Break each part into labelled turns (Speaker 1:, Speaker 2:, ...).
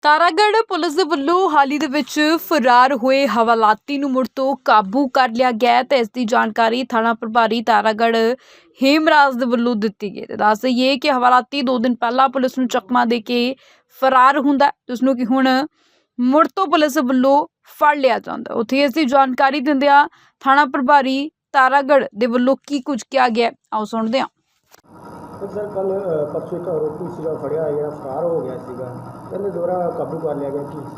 Speaker 1: Taragarh police ਦੇ ਵੱਲੋਂ ਹਾਲ ਹੀ ਦੇ ਵਿੱਚ ਫਰਾਰ ਹੋਏ ਹਵਾਲਾਤੀ ਨੂੰ ਮੁੜ ਤੋਂ ਕਾਬੂ ਕਰ ਲਿਆ ਗਿਆ ਹੈ ਤੇ ਇਸ ਦੀ ਜਾਣਕਾਰੀ ਥਾਣਾ ਪ੍ਰਭਾਰੀ ਤਾਰਾਗੜ੍ਹ ਹੇਮਰਾਜ ਦੇ ਵੱਲੋਂ ਦਿੱਤੀ ਗਈ ਹੈ। ਦੱਸ ਦੇਈਏ ਕਿ ਹਵਾਲਾਤੀ 2 ਦਿਨ ਪਹਿਲਾਂ ਪੁਲਿਸ ਨੂੰ ਚਕਮਾ ਦੇ ਕੇ ਫਰਾਰ ਹੁੰਦਾ ਹੈ, ਜਿਸ ਨੂੰ ਕਿ ਹੁਣ ਮੁੜ ਤੋਂ ਪੁਲਿਸ ਵੱਲੋਂ ਫੜ ਲਿਆ ਜਾਂਦਾ। ਉੱਥੇ ਇਸ ਦੀ ਜਾਣਕਾਰੀ ਦਿੰਦਿਆਂ ਥਾਣਾ ਪ੍ਰਭਾਰੀ ਤਾਰਾਗੜ੍ਹ ਦੇ ਵੱਲੋਂ ਕੀ ਕੁਝ ਕਿਹਾ ਗਿਆ, ਆਓ ਸੁਣਦੇ ਹਾਂ।
Speaker 2: सर कल परसों एक आरोपी सीगा फड़िया या फरार हो गया सीगा कहते दोबारा काबू कर लिया गया कि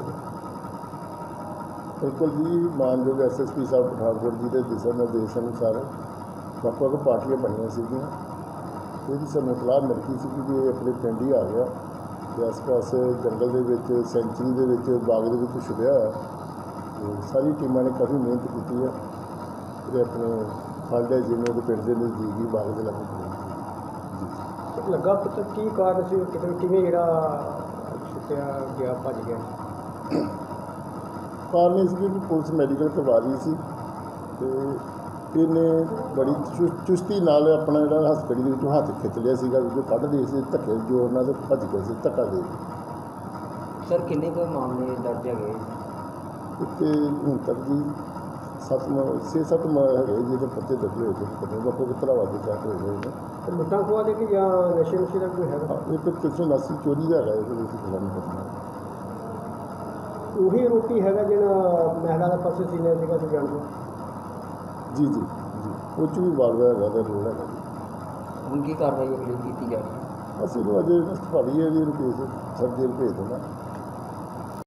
Speaker 3: बिल्कुल जी मानयोग SSP साहब पठानकोट जी के दिशा निर्देश अनुसार ਵੱਖ-ਵੱਖ ਪਾਰਟੀਆਂ ਬਣੀਆਂ ਸੀਗੀਆਂ। ਇਹਦੀ ਸਾਨੂੰ ਇਤਲਾਹ ਮਿਲ ਗਈ ਸੀ ਕਿ ਇਹ ਆਪਣੇ ਪਿੰਡ ਹੀ ਆ ਗਿਆ ਤੇ ਆਸ-ਪਾਸ ਜੰਗਲ ਦੇ ਵਿੱਚ ਸੈਂਚਰੀ ਦੇ ਵਿੱਚ ਬਾਗ ਦੇ ਵਿੱਚ ਛੁਪਿਆ ਹੋਇਆ ਤੇ ਸਾਰੀ ਟੀਮਾਂ ਨੇ ਕਾਫੀ ਮਿਹਨਤ ਕੀਤੀ ਹੈ ਤੇ ਆਪਣੇ ਫੜ ਲਿਆ ਜਿਹਨੂੰ ਉਹਦੇ ਪਿੰਡ ਦੇ ਨਜ਼ਦੀਕ ਹੀ ਬਾਗ ਦੇ ਲਾਗੇ
Speaker 2: ਲੱਗਾ ਪਤਾ ਕੀ ਕਾਰਨ ਸੀ ਕਿਵੇਂ ਜਿਹੜਾ ਛੁੱਟਿਆ ਗਿਆ ਭੱਜ ਗਿਆ
Speaker 3: ਕਾਰਨ ਇਹ ਸੀ ਕਿ ਪੁਲਿਸ ਮੈਡੀਕਲ ਕਰਵਾ ਰਹੀ ਸੀ ਤੇ ਇਹਨੇ ਬੜੀ ਚੁਸਤੀ ਨਾਲ ਆਪਣਾ ਜਿਹੜਾ ਹਸਪਤਾਲ ਦੇ ਵਿੱਚੋਂ ਹੱਥ ਖਿੱਚ ਲਿਆ ਸੀਗਾ ਜੋ ਕੱਢਦੇ ਸੀ ਧੱਕੇ ਜੋਰ ਨਾਲ ਤੇ ਭੱਜ ਗਏ ਸੀ ਧੱਕਾ ਦੇ
Speaker 2: ਸਰ ਕਿੰਨੇ ਕੋਈ ਮਾਮਲੇ ਦਰਜ ਹੈਗੇ
Speaker 3: ਤੇ ਹੁਣ ਤੱਕ ਜੀ 6-7 ਹੈਗੇ ਜਿਹਦੇ ਪੱਤੇ ਦਰਜ ਹੋਏ ਤੇ ਵੱਖੋ ਵੱਖਰਾ ਵਾਦੇ ਚਾਹਤੇ ਹੋਏ ਨੇ
Speaker 2: ਤੇ ਲੁੱਟਾਂ ਖੋਆ ਦੇ ਕਿ ਜਾਂ ਨਸ਼ੇ ਦਾ ਕੋਈ ਹੈਗਾ
Speaker 3: ਇਹ 389 ਚੋਰੀ ਦਾ ਹੈਗਾ ਇਹਦੇ ਵਿੱਚ ਖਿਲਾਫ ਕਰਨਾ
Speaker 2: ਉਹੀ ਆਰੋਪੀ ਹੈਗਾ ਜਿਹੜਾ ਮਹਿਲਾ ਦਾ ਪਰਸ ਸੀਨੇ ਸੀਗਾ ਤੁਸੀਂ ਜਾਣਦੇ
Speaker 3: ਜੀ ਜੀ ਜੀ ਉਹ 'ਚ ਵੀ ਵਾਲਵਾ ਹੈਗਾ ਦਾ ਰੋਲ ਹੈਗਾ
Speaker 2: ਹੁਣ ਕੀ ਕਾਰਵਾਈ ਅਗਲੀ ਕੀਤੀ ਜਾ ਰਹੀ ਹੈ
Speaker 3: ਅਸੀਂ ਨੂੰ ਅਜੇ ਸਫਾਰੀ ਹੈ ਜੀ ਕੇਸ ਸਰ ਜੇਲ੍ਹ ਭੇਜ ਦੇਣਾ।